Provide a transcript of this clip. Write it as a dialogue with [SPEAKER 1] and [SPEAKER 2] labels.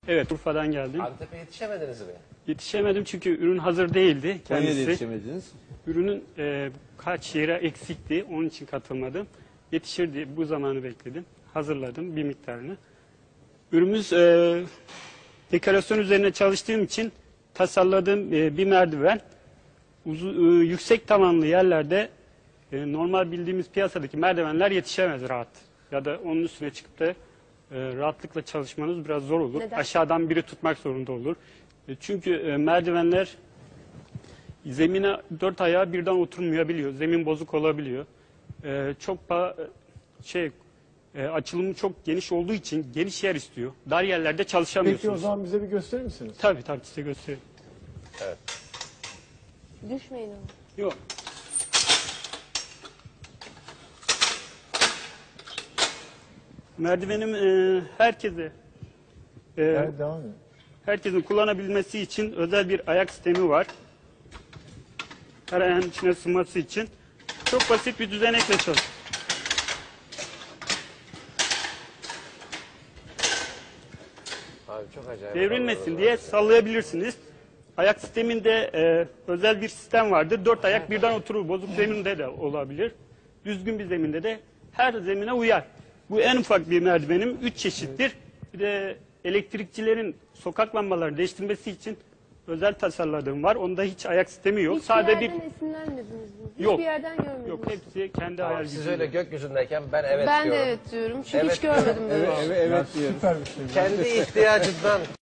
[SPEAKER 1] Evet, Urfa'dan geldim.
[SPEAKER 2] Antep'e yetişemediniz mi?
[SPEAKER 1] Yetişemedim çünkü ürün hazır değildi
[SPEAKER 3] Konya'da
[SPEAKER 1] kendisi.
[SPEAKER 3] yetişemediniz.
[SPEAKER 1] Ürünün kaç yere eksikti, onun için katılmadım. Yetişir diye bu zamanı bekledim. Hazırladım bir miktarını. Ürünümüz dekorasyon üzerine çalıştığım için tasarladığım bir merdiven. Yüksek tavanlı yerlerde normal bildiğimiz piyasadaki merdivenler yetişemez rahat. Ya da onun üstüne çıkıp da rahatlıkla çalışmanız biraz zor olur.
[SPEAKER 4] Neden?
[SPEAKER 1] Aşağıdan biri tutmak zorunda olur. Çünkü merdivenler zemine dört ayağı birden oturmayabiliyor. Zemin bozuk olabiliyor. Açılımı çok geniş olduğu için geniş yer istiyor. Dar yerlerde çalışamıyorsunuz.
[SPEAKER 5] Peki o zaman bize bir gösterir misiniz?
[SPEAKER 1] Tabii size göstereyim.
[SPEAKER 4] Düşmeyin ama.
[SPEAKER 1] Yok. Merdivenim herkese
[SPEAKER 5] Evet, devam edin.
[SPEAKER 1] herkesin kullanabilmesi için özel bir ayak sistemi var. Her ayağın içine sığması için. Çok basit bir düzenekle çalışıyor.
[SPEAKER 2] Abi çok acayip.
[SPEAKER 1] Devrilmesin diye sallayabilirsiniz. Ayak sisteminde özel bir sistem vardır. Dört ayak birden oturur. Bozuk zeminde de olabilir. Düzgün bir zeminde de her zemine uyar. Bu en ufak bir merdivenim. 3 çeşittir. Bir de elektrikçilerin sokak lambalarını değiştirmesi için özel tasarladığım var. Onda hiç ayak sistemi yok.
[SPEAKER 4] Hiçbir
[SPEAKER 1] Sadece bir
[SPEAKER 4] yerden esinlenmediniz mi?
[SPEAKER 1] Yok.
[SPEAKER 4] Hiçbir yerden görmediniz
[SPEAKER 1] yok
[SPEAKER 4] mi?
[SPEAKER 1] hepsi kendi
[SPEAKER 2] Tamam,
[SPEAKER 1] hayal
[SPEAKER 2] siz
[SPEAKER 1] gücüyle.
[SPEAKER 2] öyle gökyüzündeyken ben evet
[SPEAKER 4] Ben de
[SPEAKER 2] diyorum.
[SPEAKER 4] evet diyorum. Çünkü
[SPEAKER 2] Evet.
[SPEAKER 4] hiç görmedim böyle.
[SPEAKER 5] Evet diyorum. Süper bir şey.
[SPEAKER 2] Kendi ihtiyacından